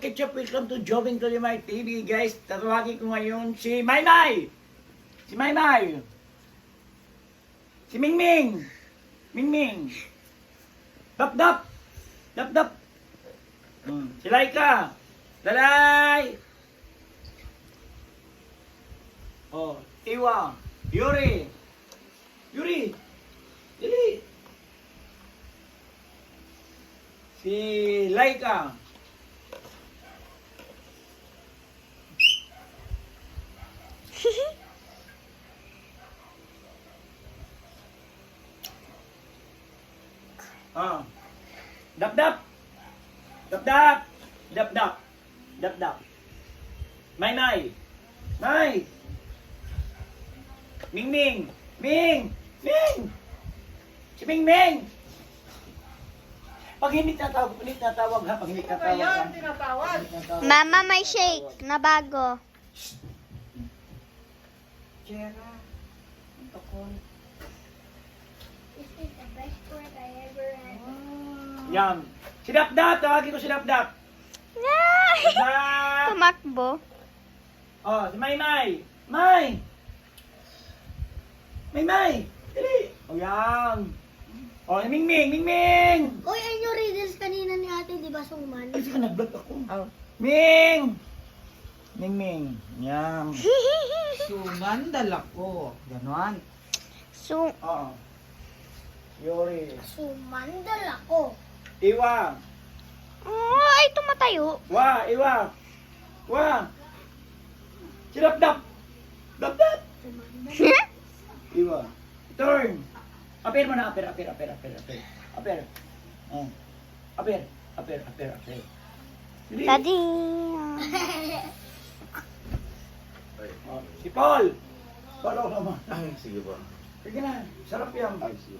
Ketchup, welcome to Jovin Tolimay TV, guys. Tatawagin ko ngayon si Maymay! Si Maymay! Si Mingming! Mingming! Dap-dap! Dap-dap! Si Laika! Dalay! Oh, Iwa! Yuri! Yuri! Dali! Si Laika! Ah. Dap-dap. Dap-dap. Dap-dap. Dap-dap. May. May. Ming. Ming. Si Ming. Pag hindi tatawag ha. Pag hindi tatawag ha. Tinatawag. Mama, may shake na bago. Jera. This is the best word I ever had. Yan. Si Dap-Dap. Tawagin ko si Dap-Dap. Dap-Dap. Tumakbo. Oh, si May. May. Dali. O yan. O, si Ming. Hoy, ayun yung riddles kanina ni ate, di ba, Suman? Ay, saka nag-vlog ako. Oh. Ming. Yan. Suman, dala ko. Ganon. Oo. Yori. Sumandal ako. Iwa. Oh, ay tumatayo. Iwa. Si Dap-Dap. Dap-Dap. Iwa. Turn. Aper mo na, aper. Oh. Aper. Dali. Daddy. Oh, si Paul. Follow naman. Ay, sige ba? Sige na, sarap yan. Ay, sige.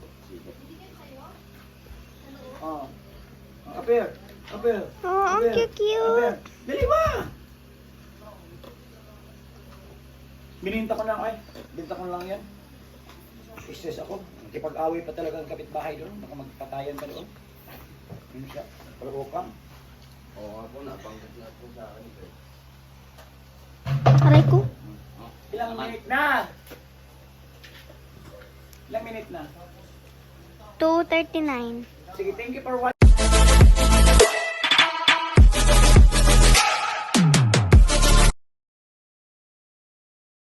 Oh. Aper. Oh, ang cute. Aper. Dali ba? Bininta ko lang yan. Stress ako. Nakipag-away pa talaga ang kapitbahay doon. Baka magpatayan pa doon. Yun siya. Palukang. Oo, ako na. Pangkat na po sa akin. Aray ko. Ilang minute na? 2:39. Sige, thank you for watching.